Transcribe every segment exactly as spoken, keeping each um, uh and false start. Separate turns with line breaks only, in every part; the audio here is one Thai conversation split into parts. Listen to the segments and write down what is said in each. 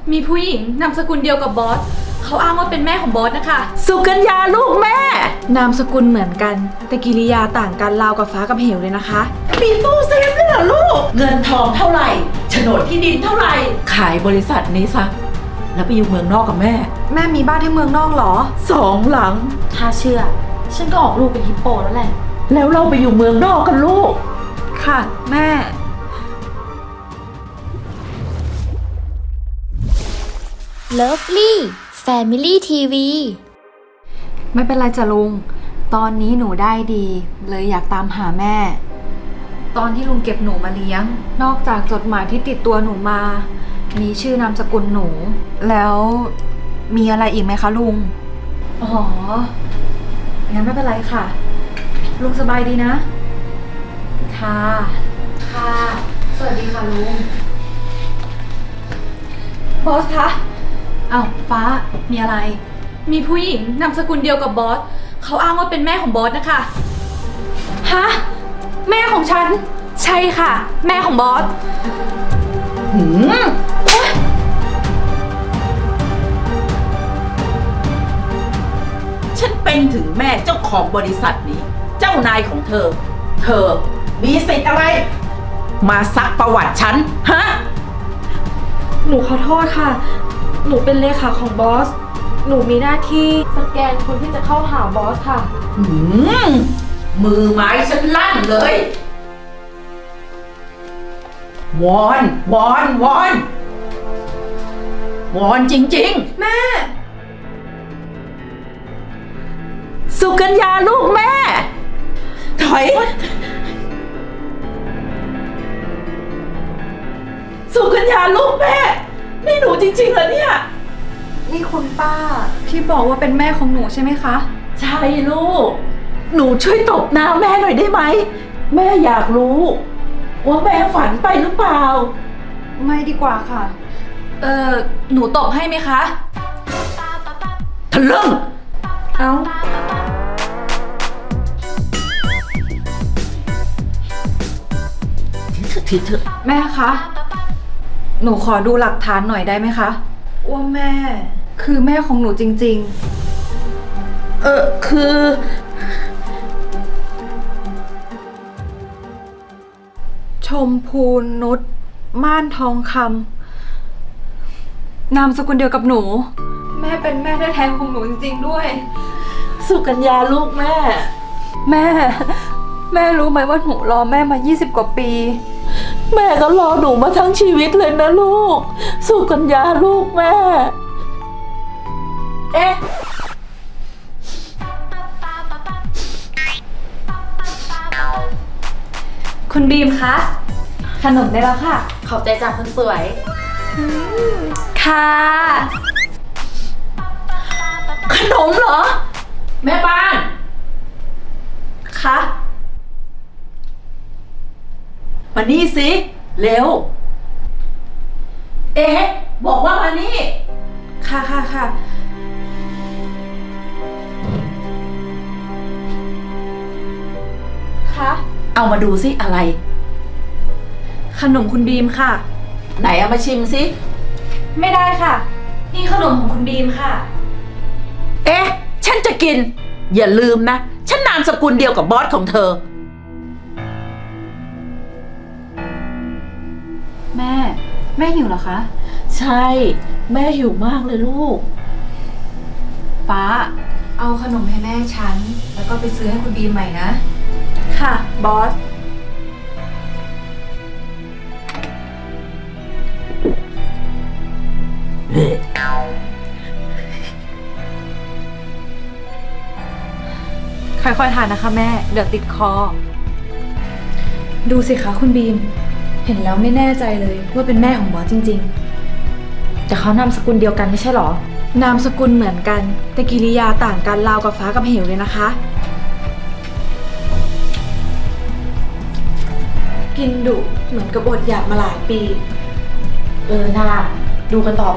มีผู้หญิงนามสกุลเดียวกับบอสเขาอ้างว่าเป็นแม่ของบอสนะคะ
สุกัญญาลูกแม่
นามสกุลเหมือนกันแต่กิริยาต่างกันราวกับฟ้ากับเหวเลยนะคะ
มีตู้เซฟด้วยเหรอลูกเงินทองเท่าไหร่โฉนดที่ดินเท่าไหร่ขายบริษัทนี้ซะแล้วไปอยู่เมืองนอกกับแม่
แม่มีบ้านที่เมืองนอกเหรอ
สองหลัง
ถ้าเชื่อฉันก็ออกลูกเป็นฮิปโปแล้วแหละ
แล้วเราไปอยู่เมืองนอกกันลูก
ค่ะแม่
Lovely Family ที วี
ไม่เป็นไรจ้ะลุงตอนนี้หนูได้ดีเลยอยากตามหาแม่ ตอนที่ลุงเก็บหนูมาเลี้ยงนอกจากจดหมายที่ติดตัวหนูมา มีชื่อนามสกุลหนู แล้วมีอะไรอีกไหมคะลุงอ๋องั้นไม่เป็นไรค่ะลุงสบายดีนะค่ะค่ะสวัสดีค่ะลุงบอสคะอ้าวฟ้ามีอะไร
มีผู้หญิงนามสกุลเดียวกับบอสเขาอ้างว่าเป็นแม่ของบอสนะคะ
ฮะแม่ของฉัน
ใช่ค่ะแม่ของบอส
หืมฉันเป็นถึงแม่เจ้าของบริษัทนี้เจ้านายของเธอเธอมีสิทธิ์อะไรมาซักประวัติฉันฮะ
หนูขอโทษค่ะหนูเป็นเลขาของบอสหนูมีหน้าที่สแกนคนที่จะเข้าหาบอสค่ะ
หืมมือไม้ฉันลั่นเลย วอน วอน วอน วอนจริงๆ
แม่
สุกัญญาลูกแม่ ถอย สุกัญญาลูกแม่ นี่หนูจริงๆเหรอเนี่ย
นี่คุณป้าที่บอกว่าเป็นแม่ของหนูใช่ไหมคะ
ใช่ลูกหนูช่วยตบหน้าแม่หน่อยได้ไหมแม่อยากรู้ว่าแม่ฝันไปหรือเปล่า
ไม่ดีกว่าค่ะ
เออหนูตบให้ไหมคะ
ทะลึ่ง
เอา
ทีเถอะ
แม่คะหนูขอดูหลักฐานหน่อยได้ไหมคะว่าแม่คือแม่ของหนูจริง
ๆเออคือ
ชมพูนุชม่านทองคำนามสกุลเดียวกับหนูแม่เป็นแม่แท้ๆของหนูจริงๆด้วย
สุกัญญาลูกแม่
แม่แม่รู้ไหมว่าหนูรอแม่มายี่สิบกว่าปี
แม่ก็รอหนูมาทั้งชีวิตเลยนะลูกสุกัญญาลูกแม่เอ๊ะ
คุณบีมคะขนมได้แล้วค่ะขอบใจจากคนสวยค่ะ
ขนมเหรอแม่บ้าน
คะ
มานี่สิเร็วเอ๊ะบอกว่ามานี่
ค่ะค่ะค่ะคะ
เอามาดูสิอะไร
ขนมคุณบีมค่ะ
ไหนเอามาชิมสิ
ไม่ได้ค่ะนี่ขนมของคุณบีมค่ะ
เอ๊ะฉันจะกินอย่าลืมนะฉันนามสกุลเดียวกับบอสของเธอ
แม่แม่หิวเหรอคะ
ใช่แม่หิวมากเลยลูก
ฟ้าเอาขนมให้แม่ฉันแล้วก็ไปซื้อให้คุณบีมใหม่นะ
ค่ะบอส
ค่อยๆทานนะคะแม่เดี๋ยวติดคอ
ดูสิคะคุณบีมเห็นแล้วไม่แน่ใจเลยว่าเป็นแม่ของบอสจริงๆแต่เขานามสกุลเดียวกันไม่ใช่หรอนามสกุลเหมือนกันแต่กิริยาต่างกันราวกับฟ้ากับเหวเลยนะคะกินดุเหมือนกับอดอยากมาหลายปีเออน่าดูกันต่อไป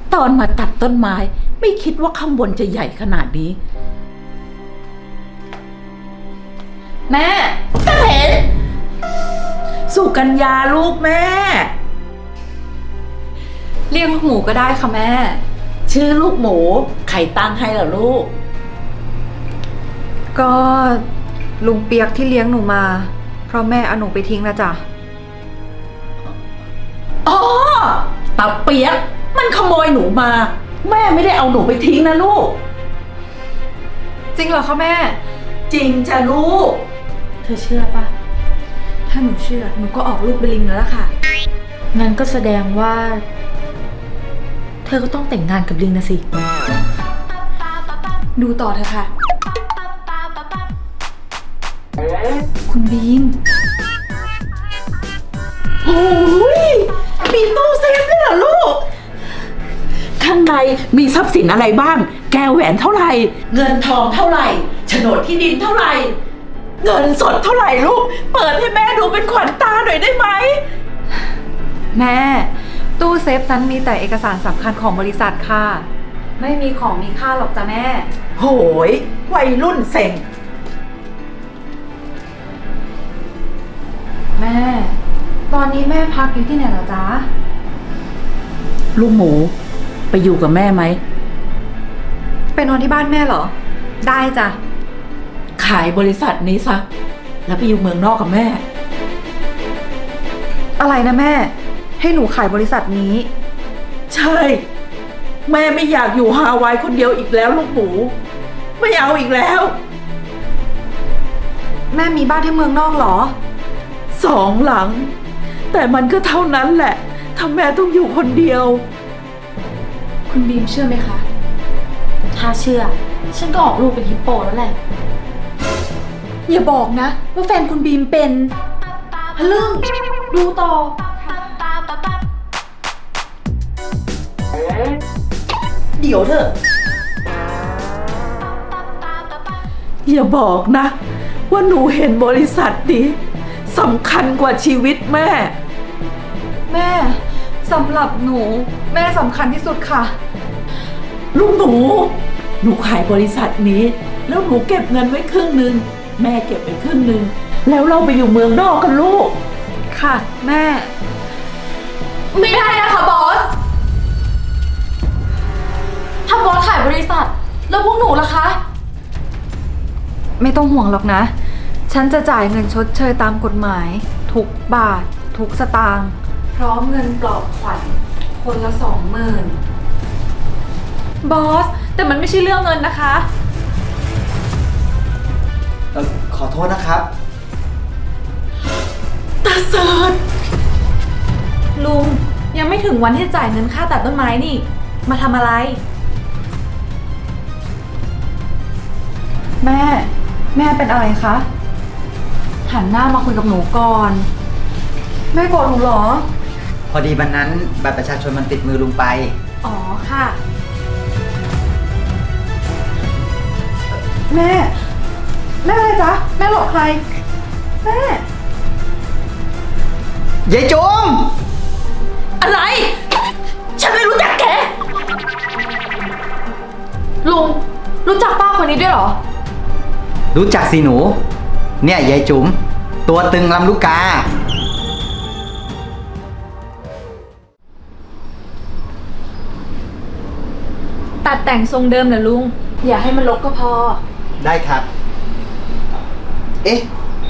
ตอนมาตัดต้นไม้ ไม่คิดว่าข้างบนจะใหญ่ขนาดนี้
แม่
ก็เห็น สุกัญญาลูกแม่
เรียกลูกหมูก็ได้ค่ะแม่
ชื่อลูกหมูใครตั้งให้เหรอลูก
ก็ลุงเปียกที่เลี้ยงหนูมา เพราะแม่เอาหนูไปทิ้งนะจ๊ะ
อ๋อตาเปียกมันขโมยหนูมา แม่ไม่ได้เอาหนูไปทิ้งนะลูก
จริงเหรอคะแม่
จริงจ้ะลูก
เธอเชื่อปะถ้าหนูเชื่อหนูก็ออกลูกเป็นลิงแล้วล่ะค่ะ งั้นก็แสดงว่า เธอก็ต้องแต่งงานกับลิงนะสิ ดูต่อเถอะค่ะ คุณบีม
โอ้ยมีตู้เซฟด้วยเหรอลูก ข้างในมีทรัพย์สินอะไรบ้าง แก้วแหวนเท่าไหร่ เงินทองเท่าไหร่โฉนดที่ดินเท่าไหร่ เงินสดเท่าไหร่ลูก เปิดให้แม่ดูเป็นขวัญตาหน่อยได้ไหม
แม่ ตู้เซฟนั้นมีแต่เอกสารสำคัญของบริษัทค่ะ ไม่มีของมีค่าหรอกจ้ะแม่
โหยวัยรุ่นเซ็ง
แม่ ตอนนี้แม่พักอยู่ที่ไหนเหรอจ๊ะ
ลูกหมูไปอยู่กับแม่ไหม
ไปนอนที่บ้านแม่เหรอ ได้จ้ะ
ขายบริษัทนี้ซะ แล้วไปอยู่เมืองนอกกับแม่
อะไรนะแม่ ให้หนูขายบริษัทนี้
ใช่ แม่ไม่อยากอยู่ฮาวายคนเดียวอีกแล้วลูกหมู ไม่เอาอีกแล้ว
แม่มีบ้านที่เมืองนอกเหรอ
สองหลัง แต่มันก็เท่านั้นแหละถ้าแม่ต้องอยู่คนเดียว
คุณบีมเชื่อไหมคะ ถ้าเชื่อ ฉันก็ออกลูกเป็นฮิปโปแล้วแหละ อย่าบอกนะ ว่าแฟนคุณบีมเป็นฮะลึ่งดูต่อ
เดี๋ยวเถอะ อย่าบอกนะ ว่าหนูเห็นบริษัทนี้สำคัญกว่าชีวิตแม่
แม่สำหรับหนู แม่สำคัญที่สุดค่ะ
ลูกหนู หนูขายบริษัทนี้ แล้วหนูเก็บเงินไว้ครึ่งหนึ่งแม่เก็บไปครึ่งหนึ่งแล้วเราไปอยู่เมืองนอกกันลูก
ค่ะ แม่
ไม่ได้นะคะบอส ถ้าบอสขายบริษัท แล้วพวกหนูล่ะคะ
ไม่ต้องห่วงหรอกนะ ฉันจะจ่ายเงินชดเชยตามกฎหมาย ทุกบาท ทุกสตางค์พร้อมเงินปลอบขวัญคนละสองหมื่น
บอส แต่มันไม่ใช่เรื่องเงินนะคะ
เอ่อขอโทษนะครับ
ตาเสิร์ช
ลุงยังไม่ถึงวันที่จะจ่ายเงินค่าตัดต้นไม้นี่ มาทำอะไร
แม่ แม่เป็นอะไรคะ หันหน้ามาคุยกับหนูก่อน แม่โกรธหนูเหรอ
พอดีวันนั้นบัตรประชาชนมันติดมือลุงไป
อ๋อค่ะ
แม่ แม่อะไรจ๊ะ แม่หลอกใคร แม่
ยายจุ๋ม
อะไร ฉันไม่รู้จักแก
ลุงรู้จักป้าคนนี้ด้วยเหรอ
รู้จักสิหนู เนี่ยยายจุ๋ม ตัวตึงลำลูกกา
ตัดแต่งทรงเดิมนะลุง อย่าให้มันรกก็พอ
ได้ครับ เอ๊ะ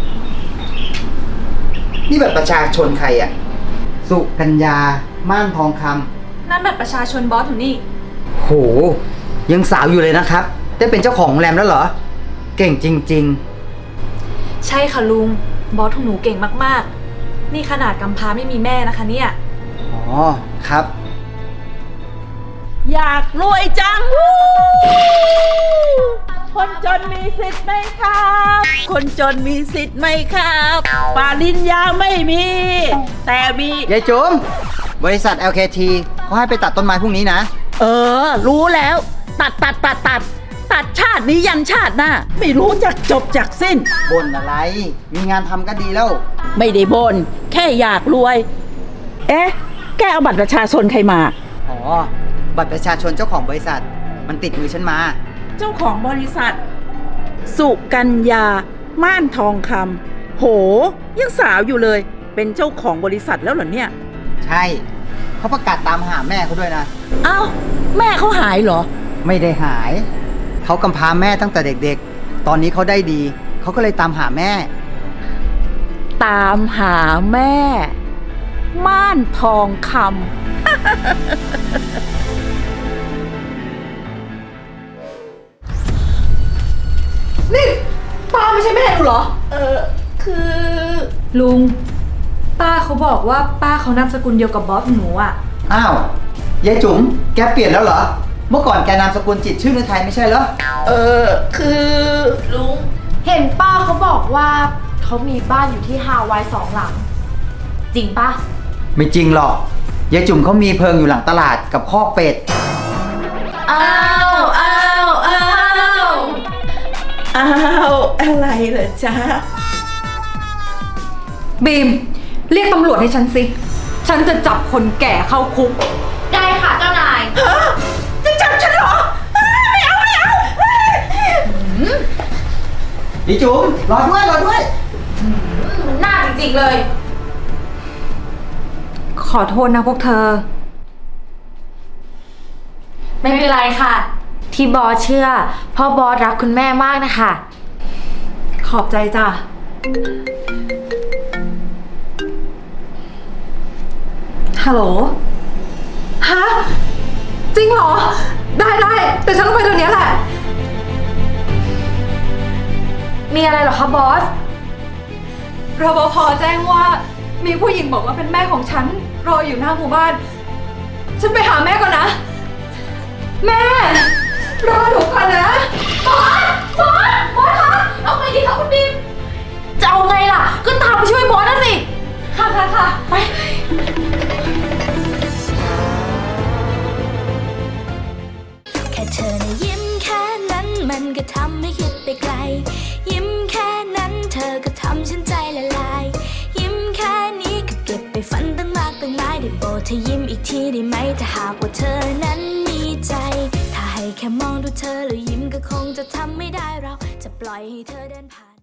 นี่บัตรประชาชนใครอะสุกัญญา ม่านทองค
นั่นบัตรประชาชนบอสอยู่นี่
ำโห ยังสาวอยู่เลยนะครับ ได้เป็นเจ้าของโรงแรมแล้วเหรอ เก่งจริง
ใช่ค่ะลุง บอสของหนูเก่งมากๆ นี่ขนาดกำพร้าไม่มีแม่นะคะเนี่ย
ๆ อ๋อ ครับ
อยากรวยจังวู้คนจนมีสิทธิ์ไหมครับ คนจนมีสิทธิ์ไหมครับปริญญาไม่มี แต่มี
ยายจุ๋ม บริษัท แอล เค ที เขาให้ไปตัดต้นไม้พรุ่งนี้นะ
เออ รู้แล้ว ตัดตัดตัดตัดตัดชาตินี้ยันชาติหน้า ไม่รู้จักจบจากสิ้น
บ่นอะไร มีงานทำก็ดีแล้ว
ไม่ได้บน แค่อยากรวย เอ๊ะ แกเอาบัตรประชาชนใครมา
อ๋อ บบัตรประชาชนเจ้าของบริษัท มันติดมือฉันมา
เจ้าของบริษัท สุกัญญา ม่านทองคำโห ยังสาวอยู่เลย เป็นเจ้าของบริษัทแล้วเหรอเนี่ย
ใช่เขาประกาศตามหาแม่เขาด้วยนะ
เอ้า แม่เขาหายเหรอ
ไม่ได้หาย เขากำพร้าแม่ตั้งแต่เด็กๆ ตอนนี้เขาได้ดี เขาก็เลยตามหาแม่
ตามหาแม่ ม่านทองคำ
นี่ป้าไม่ใช่แม่หนูเหรอ
เออคือ
ลุง ป้าเขาบอกว่าป้าเขานามสกุลเดียวกับบอสหนูอะ
อ้าวยายจุ๋มแกเปลี่ยนแล้วเหรอ เมื่อก่อนแกนามสกุลจิตรชื่อในไทยไม่ใช่เหรอ
เออคือลุง
เห็นป้าเขาบอกว่าเขามีบ้านอยู่ที่ฮาวายสองหลัง จริงปะ
ไม่จริงหรอก ยายจุ๋มเขามีเพิงอยู่หลังตลาดกับคอกเป็ด
อ้าวอ้าวอ้าวอ้าวอะไรเหรอจ๊ะ
บีม เรียกตำรวจให้ฉันสิ ฉันจะจับคนแก่เข้าคุก
ได้ค่ะเจ้านาย
ฮะจะจับฉันเหรออ้าวไม่เอาไม่เอาเฮ้ย
ยายจุ๋มรอด้วยรอด้วย
มันน่าจริงๆเลย
ขอโทษนะพวกเธอ
ไม่เป็นไรค่ะ ที่บอสเชื่อเพราะบอสรักคุณแม่มากนะคะ
ขอบใจจ้ะ ฮัลโหล ฮะ จริงเหรอ ได้ได้แต่ฉันต้องไปเดี๋ยวนี้แหละ
มีอะไรเหรอคะบอส
รปภแจ้งว่ามีผู้หญิงบอกว่าเป็นแม่ของฉัน รออยู่หน้าหมู่บ้าน ฉันไปหาแม่ก่อนนะ แม่ รอหนูก่อนนะ
บอส บอส บอสคะเอาไงดีคะคุณบีม จะเอาไงล่ะ ก็ตามไปช่วยบอสนะสิ ค่ะค่ะค่ะไป
แค่เธอนะยิ้มแค่นั้นมันก็ทำให้คิดไปไกล ยิ้มแค่นั้นเธอก็ทำฉันใจละลาย ยิ้มแค่นี้ก็เก็บไปฝันตั้งมากตั้งหลายได้โปรดเธอยิ้มอีกทีได้ไหมถ้าหากว่าเธอนั้นมีใจ ถ้าให้แค่มองดูเธอแล้วยิ้มก็คงจะทำไม่ได้เราจะปล่อยให้เธอเดินผ่าน